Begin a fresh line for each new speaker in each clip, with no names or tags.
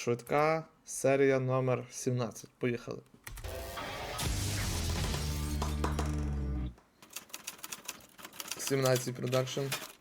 Швидка серія номер 17. Поїхали. «17 продакшн.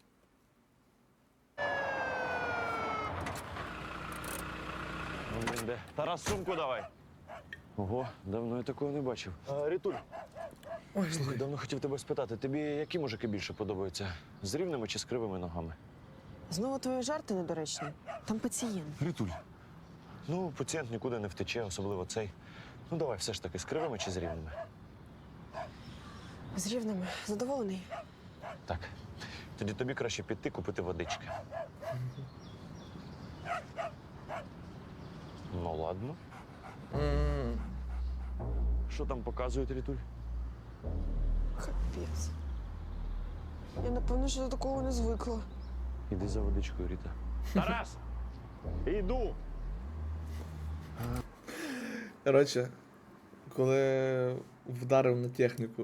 Де? Тарас, сумку давай. Ого, давно я такого не бачив. Рітуль,
Ой,
слухай, давно хотів тебе спитати, тобі які мужики більше подобаються? З рівними чи з кривими ногами?
Знову твої жарти недоречні. Там пацієнт.
Рітуль. Ну, пацієнт нікуди не втече, особливо цей. Ну, давай все ж таки, з кривими чи з рівними?
З рівними. Задоволений?
Так. Тоді тобі краще піти купити водички. Ну, ладно. Що там показують, Рітуль?
Капець. Я, напевно, що до такого не звикла.
Іди за водичкою, Ріта. Тарас! Іду!
Коротше, коли вдарив на техніку.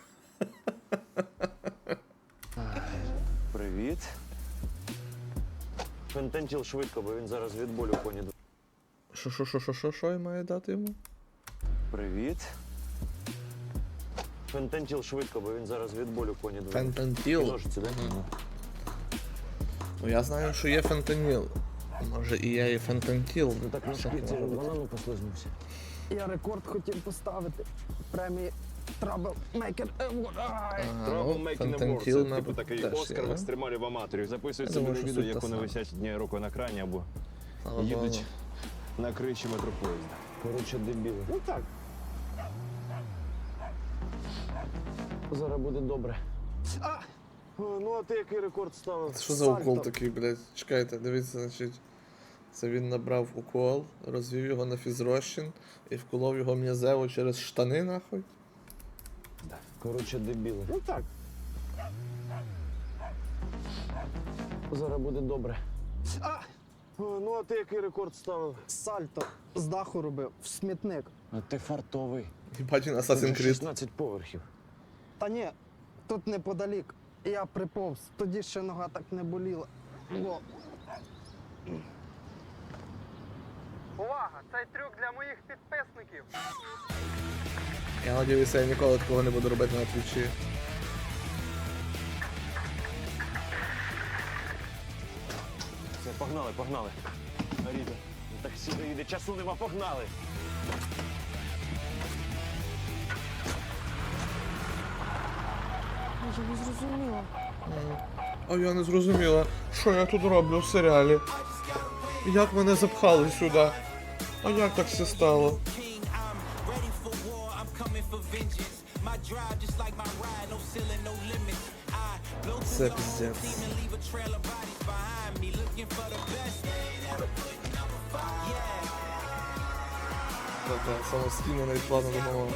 Привіт. Фентантіл швидко, бо він зараз від болю поні.
Що я маю дати йому?
Привіт. Фентантіл швидко, бо він зараз від болю поні.
Фентантіл?
Ножиці, дай?
Ну я знаю, що є фентаніл. Може і є і фентантіл.
Ну так на
Що
шпиці
може бути?
банану послизнувся.
Я рекорд хотів поставити. Премії Trouble Maker Award. Ай!
Ну,
Making Award,
фентантіл,
це типу такий
теж
Оскар
є.
екстремалів аматорів. Записують
Я
собі
думаю,
на
що
відео,
суть
як
та
вони
сама.
висять однією рукою на крані або
Слава
їдуть
Богу.
на криші метропоїзда.
Коротше, дебіли.
Ну так.
Зараз буде добре. Ну, а ти який рекорд ставив?
Це що за укол такий, блядь? Чекайте, дивіться, значить. Це він набрав укол, розвів його на фізрозчин і вколов його м'язево через штани, нахуй.
Коротше, дебіли.
Ну так.
Зараз буде добре. Ну, а ти який рекорд ставив?
Сальто з даху робив в смітник.
А ти фартовий.
Їбать він
Тут
Assassin's
же
Creed.
16 поверхів.
Та ні, тут неподалік. Я приповз, тоді ще нога так не боліла. Во. Увага! Цей трюк для моїх підписників.
Я надіюся, я ніколи такого не буду робити на твічі.
Все, погнали, погнали. Ріта, таксі доїде, часу нема, погнали.
Я не зрозуміла.
А я не зрозуміла, що я тут роблю в серіалі. Як мене запхали сюди? А як так все стало? Це піздець. Так, самостійно навіть плавно домовила.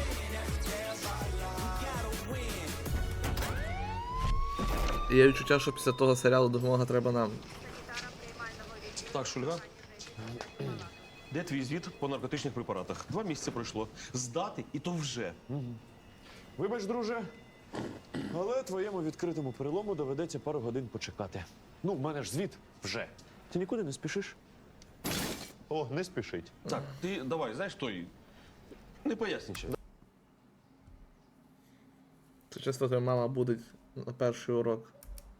Є відчуття, що після того серіалу допомога треба нам.
Так, Шульга. Де твій звіт по наркотичних препаратах? 2 місяці пройшло. Здати і то вже.
Вибач, друже, але твоєму відкритому перелому доведеться пару годин почекати. Ну, в мене ж звіт вже. Ти нікуди не спішиш?
О, не спішить.
Так, ти давай, знаєш той. Не пояснюй.
Це часто твоя мама буде на перший урок.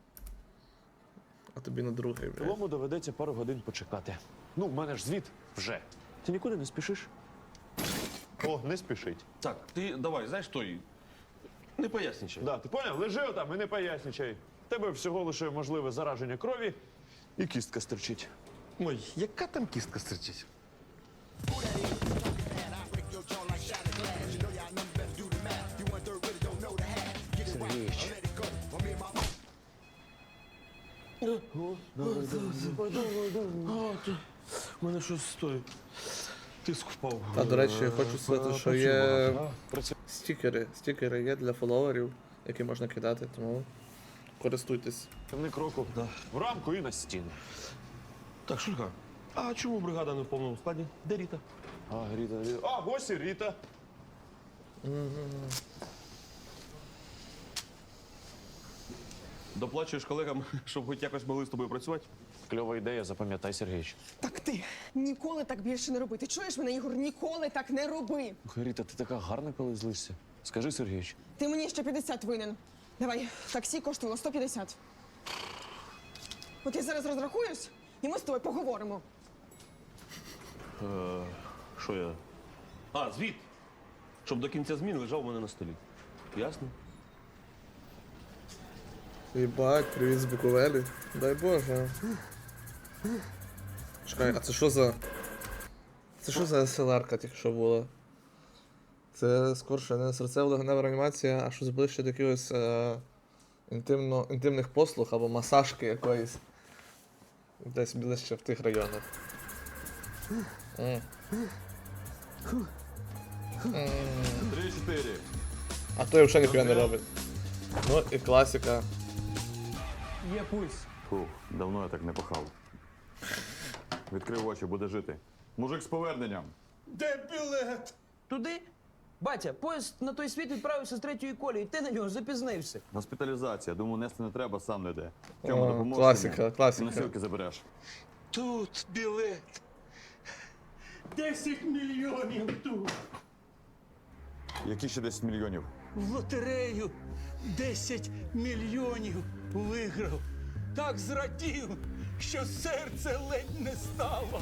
А тобі на другий, блядь.
Перелому доведеться пару годин почекати. Ну, в мене ж звіт вже. Ти нікуди не спішиш?
О, не спішить.
Так, ти давай, знаєш той. Не пояснюй.
Да, ти поняв? Лежи отам і не поясничай. В тебе всього лише можливе зараження крові і кістка стерчить.
Ой, яка там кістка стерчить?
Сергійович.
У мене щось стоїть. Тиск впав.
А, до речі, хочу сказати, що є
Працює.
стікери. Стікери є для фоловерів, які можна кидати, тому користуйтесь.
Темний кроку. В рамку і на стіну.
Так, Шульга, а чому бригада не в повному складі? Де Ріта?
А, Ріта.
А, ось і Ріта.
Доплачуєш колегам, щоб хоч якось могли з тобою працювати?
кльова ідея, запам'ятай, Сергійович.
Так ти ніколи так більше не роби. Ти чуєш мене, Ігор? Ніколи так не роби.
Ріта, ти така гарна, коли злишся. Скажи, Сергійович.
Ти мені ще 50 винен. Давай, таксі коштувало 150. От я зараз розрахуюсь, і ми з тобою поговоримо.
Що я? А, звіт! Щоб до кінця змін лежав у мене на столі. Ясно?
Єбать, привіт з Буковелі. Дай Боже. Чекай, а це що за. Це що за СЛР-ка тільки що була? Це скорше не серцево-легенева реанімація, а щось ближче до якихось інтимних послуг або масажки якоїсь. Десь ближче в тих районах. М.
3-4.
А то взагалі ніхуя не робить. Ну і класика.
Є пульс.
Фух, давно я так не пахав. Відкрив очі, буде жити. Мужик з поверненням.
Де білет? Туди? Батя, поїзд на той світ відправився з 3-ї колії, ти на нього запізнився.
Госпіталізація. Думаю, нести не треба, сам не йде. Тьома,
О,
допоможеш
класика,
мені?
класика.
Носилки забереш.
Тут білет. 10 мільйонів тут.
Які ще 10 мільйонів?
В лотерею 10 мільйонів виграв. Так зрадів, що серце ледь не стало.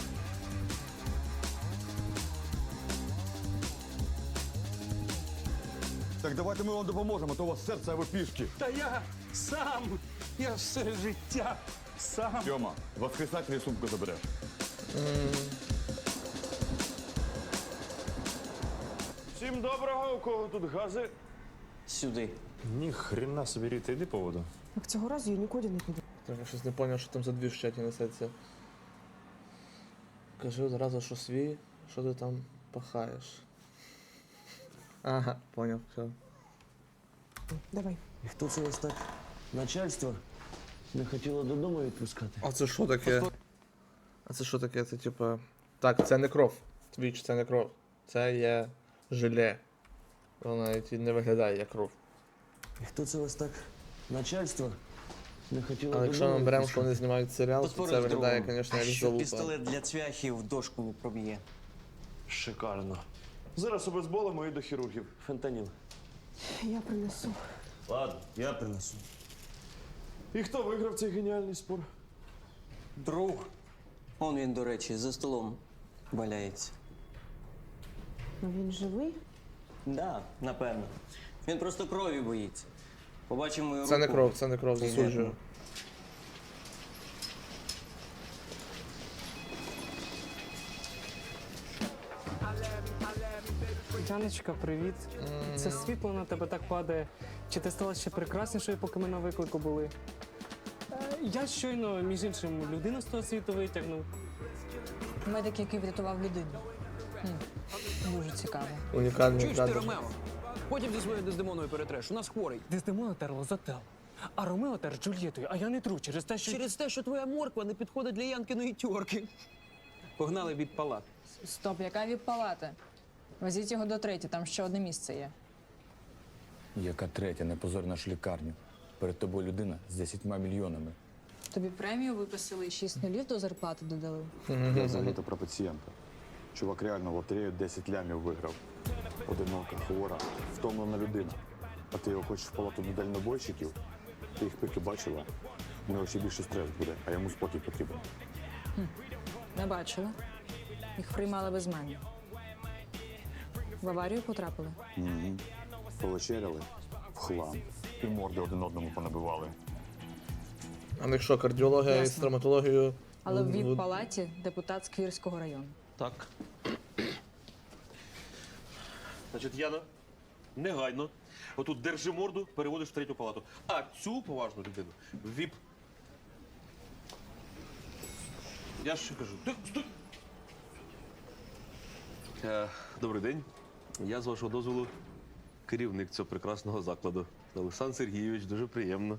Так давайте ми вам допоможемо, а то у вас серце, а ви пішки.
Та я все життя сам.
Тьома, воскресателі сумку забереш.
Всім доброго, у кого тут гази?
Сюди.
Ні хрена собі, Ріта, йди по воду.
Так цього разу я нікуди не піду.
Так, я щось не зрозумів, що там за дві в чаті несеться. Кажи одразу, що свій, що ти там пахаєш. Ага, поняв, все.
Давай.
І хто це ось так? Начальство не хотіло додому відпускати.
А це що таке? А це що таке? Це типа. Так, це не кров. Твіч, це не кров. Це є желе. Воно навіть і не виглядає як кров.
І хто це ось так? Начальство не хотіло
Але
додому
якщо ми беремо, що
відпускати.
вони знімають серіал, то
Поспорив
це
з
виглядає,
другом.
звісно, як
Що
залупа.
пістолет для цвяхів дошку не проб'є.
Шикарно. Зараз обезболимо і до хірургів.
Фентаніл.
Я принесу.
Ладно, я принесу.
І хто виграв цей геніальний спор?
Друг. Он він, до речі, за столом валяється.
Ну він живий?
Да, напевно. Він просто крові боїться. Побачимо мою руку.
Це не кров, засуджую.
Яночка, привіт. Це світло на тебе так падає. Чи ти стала ще прекраснішою, поки ми на виклику були? Я щойно, між іншим, людину з того світу витягнув.
Медик, який врятував людину. Дуже цікаво.
Унікальний
Чуєш ти,
кадр.
Ромео? Потім зі своєю Дездемоною перетреш. У нас хворий.
Дездемона терла за Тел, а Ромео тер з Джульєтою, а я не тру через те, що...
Через те, що твоя морква не підходить для Янкиної тьорки. Погнали від палат.
Стоп, яка віп-палата? Везіть його до третє, там ще одне місце є.
Яка третя? Не позор нашу лікарню. Перед тобою людина з 10 мільйонами.
Тобі премію виписали і 6 нулів до зарплати додали.
Я взагалі-то про пацієнта. Чувак реально в лотерею 10 лямів виграв. Одинока, хвора, втомлена людина. А ти його хочеш в палату до дальнобойщиків? Ти їх пики бачила? У нього ще більше стрес буде, а йому спокій потрібен.
Не бачила. Їх приймали без мене. В аварію потрапили.
Угу. Повечеряли в хлам. І морди один одному понабивали.
А в них що, кардіологія і
Ясно.
стоматологію?
Але в віп-палаті депутат з Квірського району.
Так. Значить, Яна, негайно. Отут держи морду, переводиш в третю палату. А цю поважну людину в ВІП. Я ще кажу. Ти, стой! Добрий день. Я, з вашого дозволу, керівник цього прекрасного закладу. Олександр Сергійович, дуже приємно.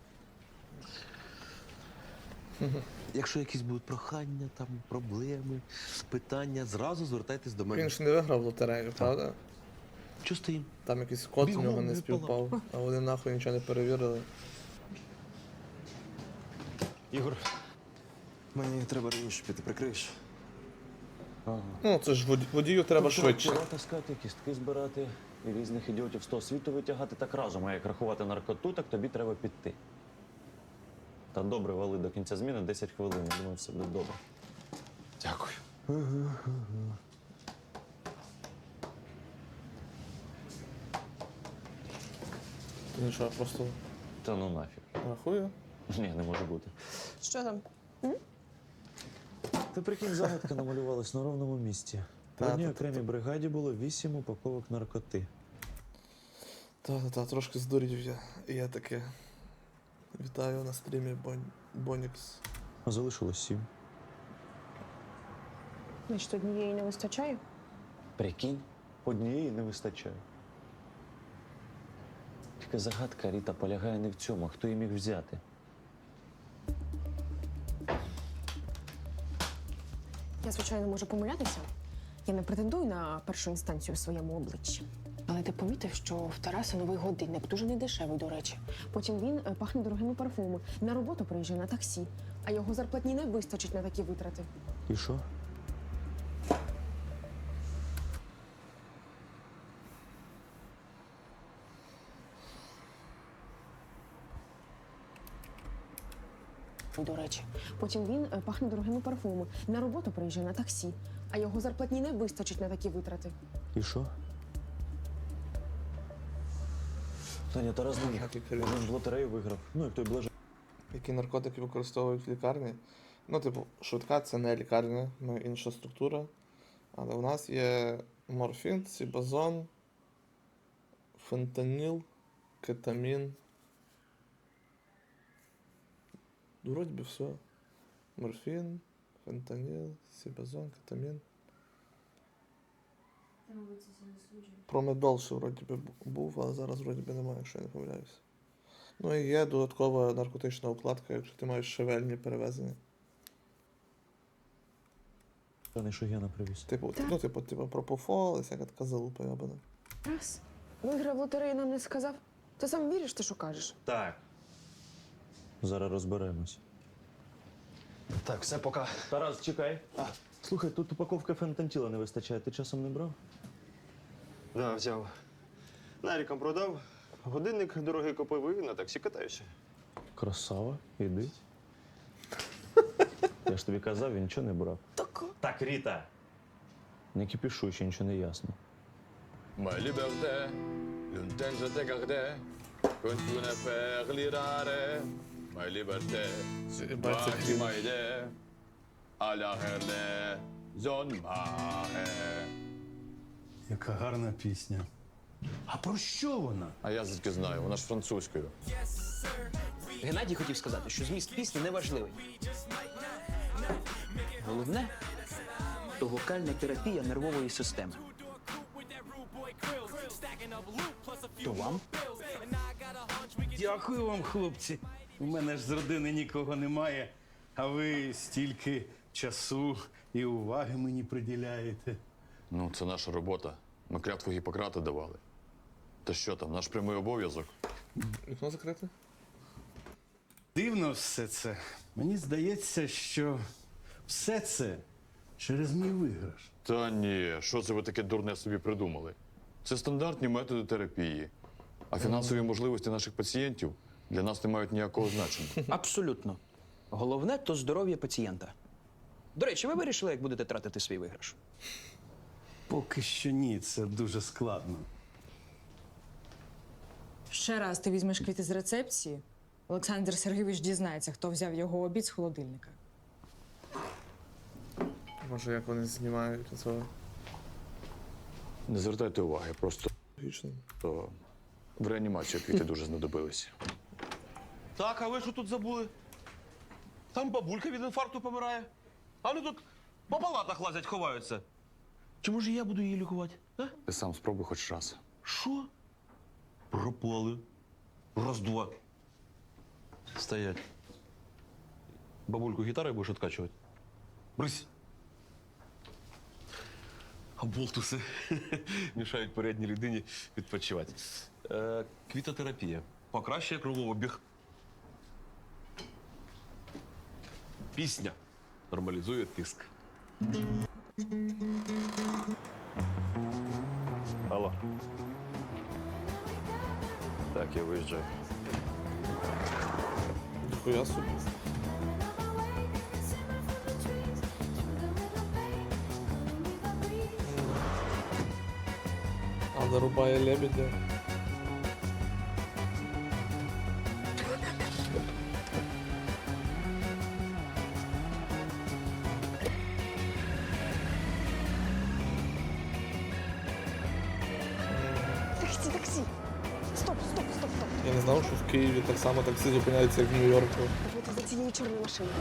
Якщо якісь будуть прохання, там, проблеми, питання, зразу звертайтесь до мене.
Він ж не виграв лотерею, правда?
Чого стоїм?
Там якийсь код в
Бігом
нього не
в
співпав, а вони нахуй нічого не перевірили.
Ігор, Мені треба раніше піти, прикриєш?
Ну, це ж водію треба швидше.
Тіла таскати, кістки збирати і різних ідіотів з того світу витягати так разом. А як рахувати наркоту, так тобі треба піти. Та добре, вали до кінця зміни 10 хвилин. Я думаю, все буде добре.
Дякую.
Ну що, просто
Та ну нафіг.
рахую.
Ні, не може бути.
Що там?
Ти прикинь, загадка намалювалась на ровному місці. В одній окремій бригаді було 8 упаковок наркоти.
Та, трошки здурів я. І я таке. Вітаю на стрімі Бонікс.
А залишилось 7.
Значить, однієї не вистачає?
Прикинь, однієї не вистачає. Тільки загадка, Ріта, полягає не в цьому, а хто її міг взяти.
Я, звичайно, можу помилятися. Я не претендую на першу інстанцію в своєму обличчі. Але ти помітив, що в Тараса новий годинник, дуже недешевий, до речі. Потім він пахне дорогими парфумами. На роботу приїжджає на таксі, а його зарплатні не вистачить на такі витрати.
І що?
До речі, потім він пахне дорогими парфумами. На роботу приїжджає на таксі, а його зарплатні не вистачить на такі витрати.
І що? Таня, Тарас не міг. Він в лотерею виграв. Ну, як той блаже.
Які наркотики використовують в лікарні? Ну, типу, швидка це не лікарня, ну інша структура. Але у нас є морфін, сібазон, фентаніл, кетамін. Вроді би все. Морфін, фентаніл, сібазон, кетамін. Промедол ще вроді би був, але зараз вроді би немає, якщо я не помиляюся. Ну і є додаткова наркотична укладка, якщо ти маєш шевельні перевезення.
Та що Гена привіз.
Типу пропофол, і всяка така залупа ябана.
Раз. Виграв лотерею, нам не сказав. Ти сам віриш, ти що кажеш?
Так. Зараз розберемось.
Так, все, пока.
Тарас, чекай. Слухай, тут упаковки фентантіла не вистачає. Ти часом не брав?
Да, взяв. Нарікам продав, годинник дорогий купив і на таксі катаюся.
Красава, іди. Я ж тобі казав, він нічого не брав. Так, Ріта. Не кипішуй, ще нічого не ясно.
Ma liberté, l'unten je te gardais, quand tu ne faire l'irare. Ma liberté, c'est toi qui m'as aidé, à la herne, zone mahe.
Яка гарна пісня. А про що вона?
А я звідки знаю, вона ж французькою.
Геннадій хотів сказати, що зміст пісні не важливий. Головне – то вокальна терапія нервової системи. То вам?
Дякую вам, хлопці. У мене ж з родини нікого немає, а ви стільки часу і уваги мені приділяєте.
Ну, це наша робота. Ми клятву Гіппократа давали. Та що там, наш прямий обов'язок?
Вікно закрите?
Дивно все це. Мені здається, що все це через мій виграш.
Та ні, що це ви таке дурне собі придумали? Це стандартні методи терапії. А фінансові можливості наших пацієнтів для нас не мають ніякого значення.
Абсолютно. Головне – то здоров'я пацієнта. До речі, ви вирішили, як будете тратити свій виграш?
Поки що ні, це дуже складно.
Ще раз ти візьмеш квіти з рецепції, Олександр Сергійович дізнається, хто взяв його обід з холодильника.
Може, як вони знімають цього?
Не звертайте уваги, просто
Логічно.
то в реанімацію квіти дуже знадобилися.
Так, а ви що тут забули? Там бабулька від інфаркту помирає. А вони тут по палатах лазять, ховаються. Чи може я буду її лікувати? А?
Ти сам спробуй хоч раз.
Що? Пропали. Раз-два. Стоять. Бабульку гітарою будеш відкачувати? Брись. А болтуси мішають передній людині відпочивати. Квітотерапія. Покращує кровообіг. Пісня. нормалізує тиск.
Алло. Так, я виїжджаю.
Ніхуя собі. А зарубає лебедя.
Таксі, таксі! Стоп, стоп, стоп, стоп!
Я не знав, що в Києві так само таксі зупиняється, як в Нью-Йорку.
Давайте за цією чорною машиною.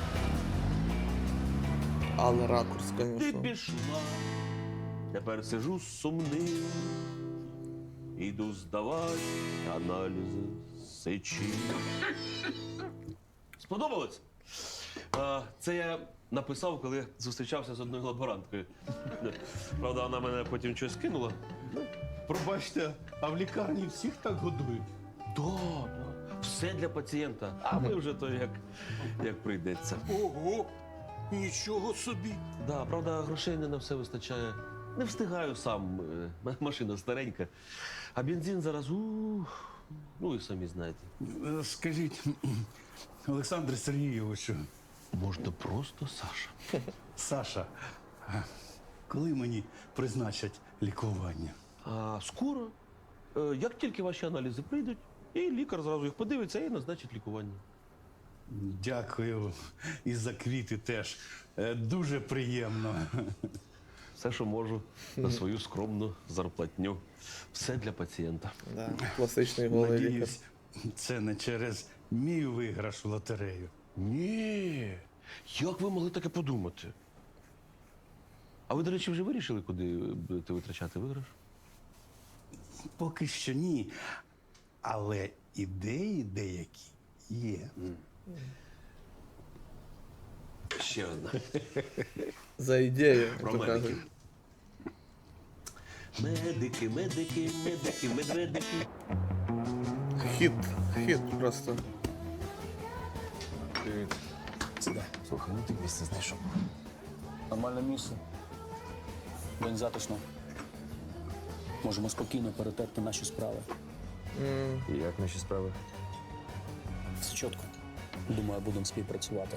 Але ракурс,
Ти
звісно.
пішла, тепер сижу сумним, іду здавати аналізи сечі. Сподобалось? Це я написав, коли зустрічався з одною лаборанткою. Правда, вона мене потім щось кинула.
Пробачте, а в лікарні всіх так годують?
Да. Все для пацієнта, а ми вже то як прийдеться.
Ого! Нічого собі!
Да, правда, грошей не на все вистачає. Не встигаю сам, машина старенька. А бензин зараз, ну і самі знаєте.
Скажіть, Олександре Сергійовичу.
Можна просто Саша.
Саша, коли мені призначать лікування?
Скоро. Як тільки ваші аналізи прийдуть, і лікар зразу їх подивиться і назначить лікування.
Дякую. І за квіти теж. Дуже приємно.
Все, що можу, на свою скромну зарплатню. Все для пацієнта.
Да, класичний голий лікар.
Надіюсь, це не через мій виграш у лотерею.
Ні. Як ви могли таке подумати? А ви, до речі, вже вирішили, куди будете витрачати виграш?
Поки що ні. Але ідеї деякі є.
Ще одна.
За ідею,
Про
як то
медиків.
кажуть.
Медики, медики, медики, медведики.
Хіт просто.
Привіт. Сідай. Слухай, ну ти місце знайшов. Нормальне місце. День затишно. Можемо спокійно перетерти наші справи.
І як наші справи?
Все чітко. Думаю, будемо співпрацювати.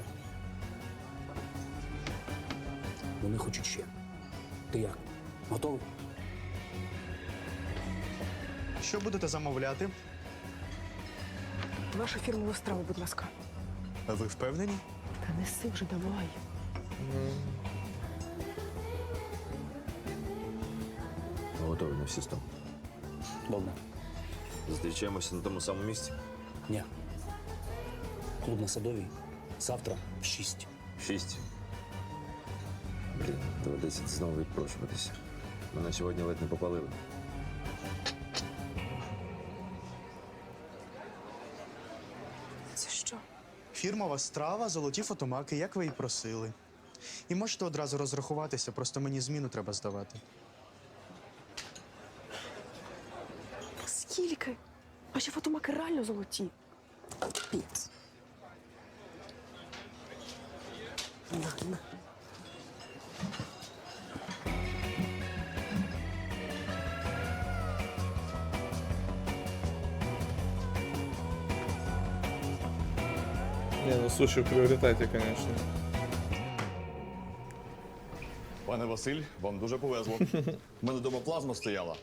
Вони хочуть ще. Ти як? Готовий?
Що будете замовляти?
Вашу фірмову страву, будь ласка.
Ви впевнені?
Та неси вже, давай.
Готовий на всі 100.
Добре.
Зустрічаємося на тому самому місці?
Ні. Клуб на Садовій. Завтра в 6.
6. Блін, доведеться знову відпрошуватися. Мене сьогодні ледь не попалили.
Це що?
Фірмова страва, золоті фотомаки, як ви і просили. І можете одразу розрахуватися, просто мені зміну треба здавати.
Скільки? Ваші фотомаки реально золоті. Піц. На.
Ні, ну суші в пріоритеті, звісно.
Пане Василь, вам дуже повезло. У мене вдома плазма стояла.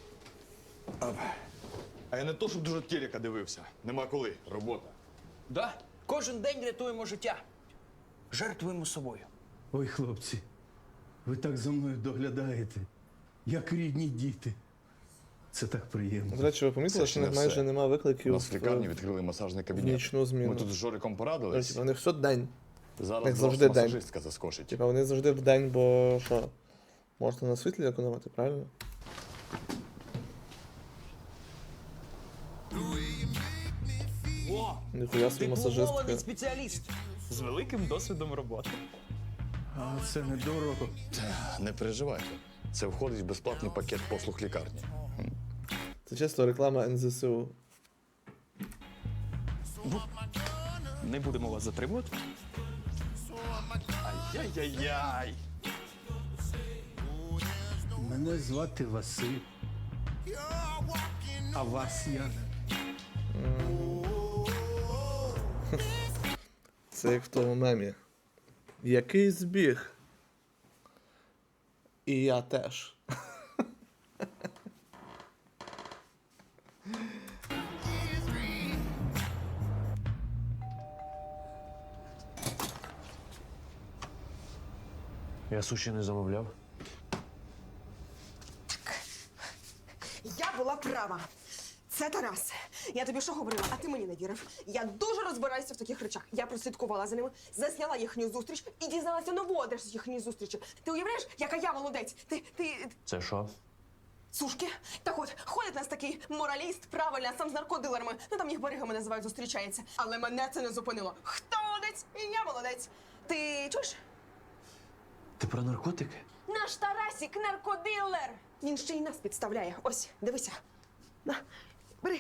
А я не то, щоб дуже телека дивився. Нема коли. Робота.
Да? Кожен день рятуємо життя. Жертвуємо собою.
Ой, хлопці, ви так за мною доглядаєте, як рідні діти. Це так приємно.
До речі, ви помітили,
Це
що
ще
в них
не
майже
все.
нема
У
викликів
нас в лікарні відкрили масажний
в
кабінет.
нічну зміну.
Ми тут з Жориком порадились.
Тобто, у них все день.
Зараз
них
до
завжди
вас
день.
масажистка заскочить.
Типа вони завжди в день, бо що? Можна на світлі економити, правильно?
О!
Ніхуя собі масажистка.
Дипломований спеціаліст.
З великим досвідом роботи.
А це недорого.
Не переживайте. Це входить в безплатний пакет послуг лікарні.
Це чисто реклама НЗСУ.
Не будемо вас затримувати.
Яй-яй-яй.
Мене звати Василь. А вас як?
Це як в тому мемі. Який збіг? І я теж.
Я суші не замовляв.
Я була права. Це Тарас. Я тобі що говорила, а ти мені не вірив. Я дуже розбираюся в таких речах. Я прослідкувала за ними, засняла їхню зустріч і дізналася нову адресу їхньої зустрічі. Ти уявляєш, яка я молодець? Ти...
Це що?
Сушки? Так от, ходить нас такий мораліст, правильно, сам з наркодилерами. Ну там їх баригами називають, зустрічається. Але мене це не зупинило. Хто молодець? І я молодець. Ти чуєш?
Ти про наркотики?
Наш Тарасік наркодилер! Він ще й нас підставляє. Ось, дивися. На, бери.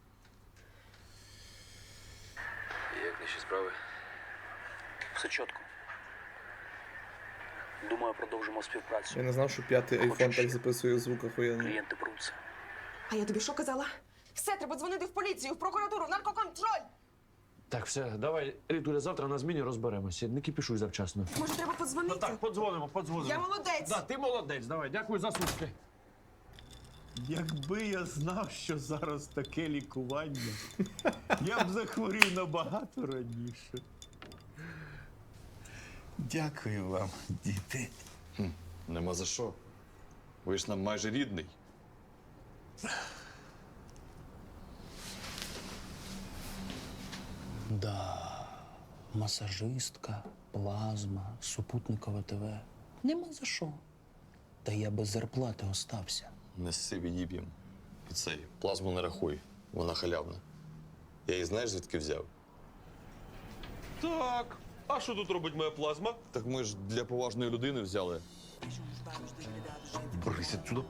Як наші справи? Все чітко. Думаю, продовжимо співпрацю.
Я не знав, що 5-й айфон так записує звук охуєнно.
Клієнти пруться.
А я тобі що казала? Все, треба дзвонити в поліцію, в прокуратуру, в наркоконтроль!
Так, все, давай, Рітуля, завтра на зміні розберемося. Не кипішуй завчасно.
Може, треба подзвонити?
Ну так, подзвонимо.
Я молодець!
Да, ти молодець, давай, дякую за сушки.
Якби я знав, що зараз таке лікування, я б захворів набагато раніше. Дякую вам, діти.
Нема за що. Ви ж нам майже рідний.
Да, масажистка, плазма, супутникове ТВ. Нема за що. Та я без зарплати остався.
Неси відіб'єм. І цей, плазму не рахуй, вона халявна. Я її знаєш, звідки взяв?
Так. А що тут робить моя плазма?
Так ми ж для поважної людини взяли.
Брись отсюда.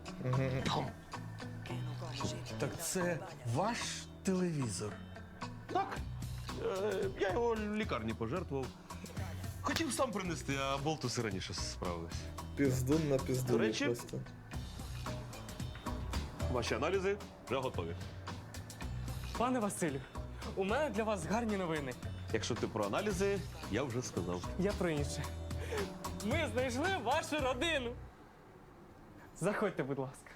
Так це ваш телевізор?
Так. Я його в лікарні пожертвував. Хотів сам принести, а болтуси раніше справились.
Піздун на пізду.
До речі,
просто.
Ваші аналізи вже готові.
Пане Василю, у мене для вас гарні новини.
Якщо ти про аналізи, я вже сказав.
Я про інше. Ми знайшли вашу родину. Заходьте, будь ласка.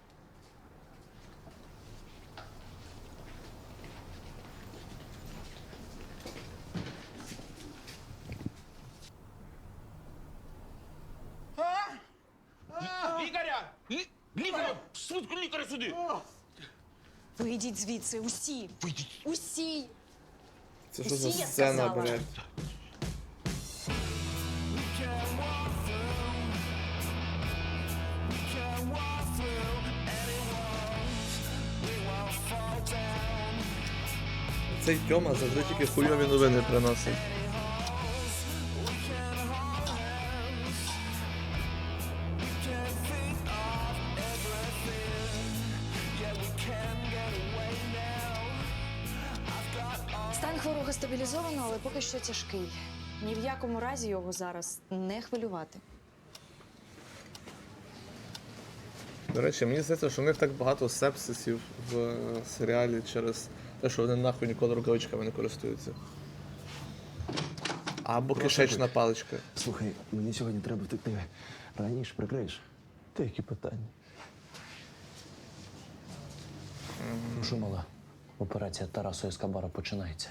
Лікаря! Лікаря! Швидко лікаря сюди!
Вийдіть звідси, усі. Усі.
Це що за
Усі, я
сцена,
сказала.
блядь? Цей Тьома завжди тільки хуйові новини приносить.
Стан хворого стабілізовано, але поки що тяжкий. Ні в якому разі його зараз не хвилювати.
До речі, мені здається, що в них так багато сепсисів в серіалі через те, що вони нахуй ніколи рукавичками не користуються. Або кишечна паличка.
Слухай, мені сьогодні треба втекти. Раніше прикриєш? Та які питання? Ну що, мала? Операція Тарасу Ескобара починається.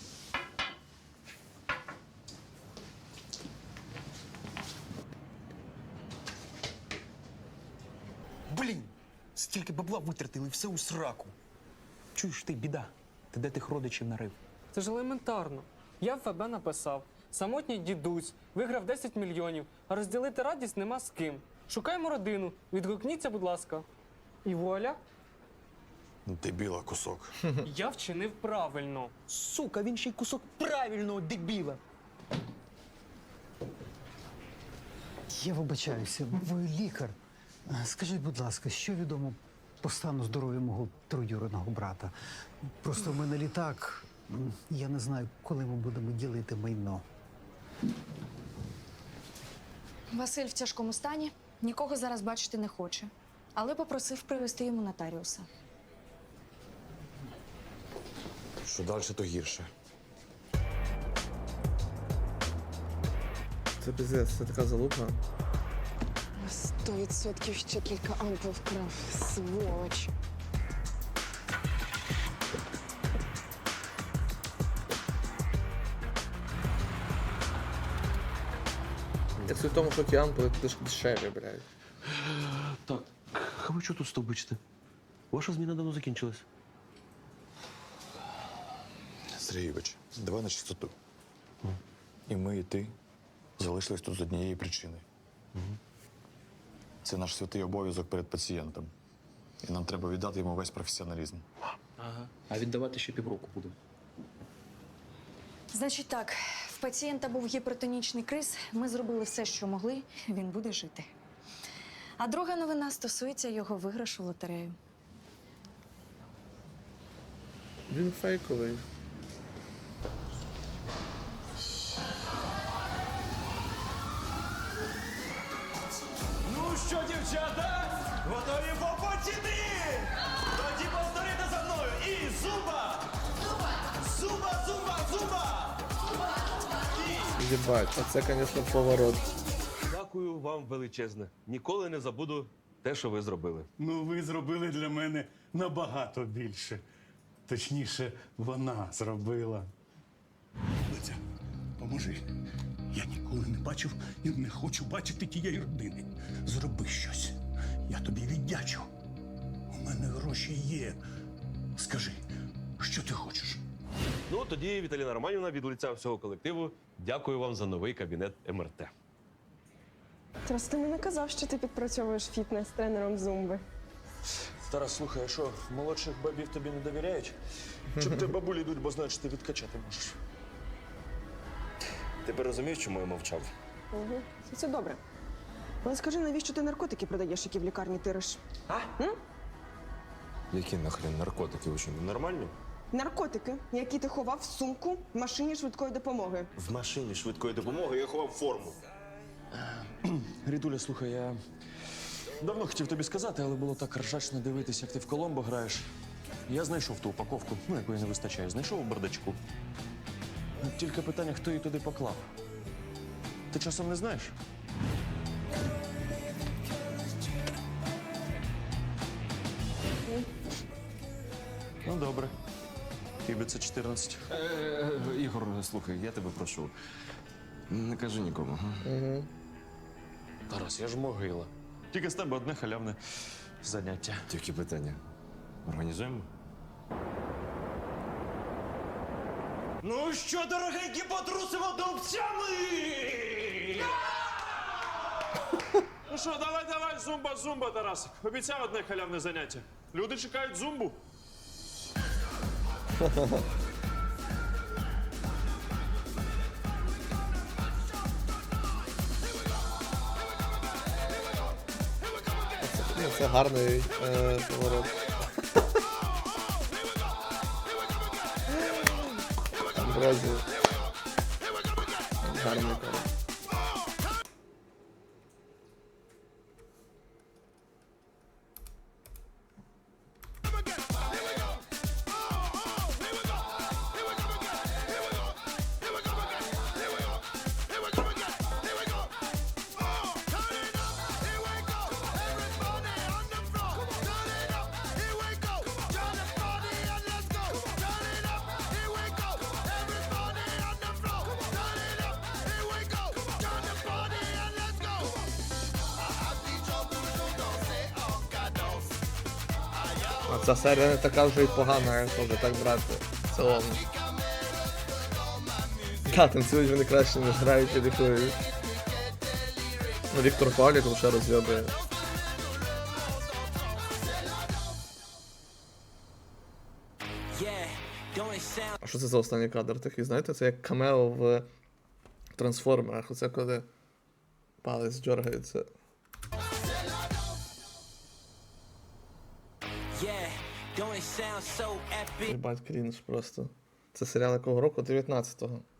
Блін! Стільки бабла витратили, все у сраку. Чуєш ти, біда? Ти де тих родичів нарив?
Це ж елементарно. Я в ФБ написав. Самотній дідусь виграв 10 мільйонів, а розділити радість нема з ким. Шукаємо родину. Відгукніться, будь ласка. І вуаля.
Дебіла кусок.
Я вчинив правильно.
Сука, він ще й кусок правильного дебіла.
Я вибачаюся, ви лікар. Скажіть, будь ласка, що відомо по стану здоров'я мого троюрідного брата? Просто в мене літак. Я не знаю, коли ми будемо ділити майно.
Василь в тяжкому стані, нікого зараз бачити не хоче, але попросив привезти йому нотаріуса.
Що далі, то гірше.
Це пиздець, це така залупа.
100% ще кілька ампул вкрав, сволоч.
Я суть в тому, що ті ампули туди ж дешеві, блядь.
Так, а ви що тут стовбичите? Ваша зміна давно закінчилась.
Сергійович, давай на чистоту. І ми, і ти залишились тут з однієї причини. Це наш святий обов'язок перед пацієнтом. І нам треба віддати йому весь професіоналізм.
Ага. А віддавати ще півроку буде.
Значить так, в пацієнта був гіпертонічний криз, ми зробили все, що могли, він буде жити. А друга новина стосується його виграшу в лотерею.
Він фейковий.
Ну що, дівчата, готові попочити? Тоді повторите за мною. І зуба! Зуба, зуба, зуба!
Єбать, а це, звісно, поворот.
Дякую вам величезне. Ніколи не забуду те, що ви зробили.
Ну, ви зробили для мене набагато більше. Точніше, вона зробила. Леся, поможи. Я ніколи не бачив і не хочу бачити тієї родини. Зроби щось. Я тобі віддячу. У мене гроші є. Скажи, що ти хочеш?
Ну, тоді, Віталіна Романівна, від лиця всього колективу, дякую вам за новий кабінет МРТ.
Тарас, ти мені казав, що ти підпрацьовуєш фітнес-тренером зумби.
Тарас, слухай, а що, молодших бабів тобі не довіряють? Чи в тебе бабулі йдуть, бо знають, що ти відкачати можеш?
Тепер розумієш, чому я мовчав?
Угу. Це добре. Але скажи, навіщо ти наркотики продаєш, які в лікарні тириш?
Які нахрен наркотики? Ви що, ненормальні?
Наркотики, які ти ховав в сумку в машині швидкої допомоги.
В машині швидкої допомоги я ховав форму.
Рідуля, слухай, я давно хотів тобі сказати, але було так ржачно дивитися, як ти в Коломбо граєш. Я знайшов ту упаковку, якої не вистачає. Знайшов у бардачку. Тільки питання, хто її туди поклав. Ти часом не знаєш? Ну, добре. Тобі це 14.
Ігор, слухай, я тебе прошу. Не кажи нікому.
Угу.
Тарас, я ж могила. Тільки з тебе одне халявне заняття.
Тільки питання. Організуємо?
Ну що, дорогенькі, потрусимо дубцями!
Ну що, давай, зумба, Тарас. Обіцяв одне халявне заняття. Люди чекають зумбу.
Це гарний поворот. Амброзі. Гарний поворот. А ця серія не така вже й погана, якщо вже так брати. В цілому. Так, танцюють вони краще, ніж грають і лікують. Ну, Віктор Павлік лише розйобує. А що це за останній кадр такий, знаєте? Це як камео в трансформерах. Оце коли палець дергається. Єбать, крінж просто. Це серіал якого року? 19-го.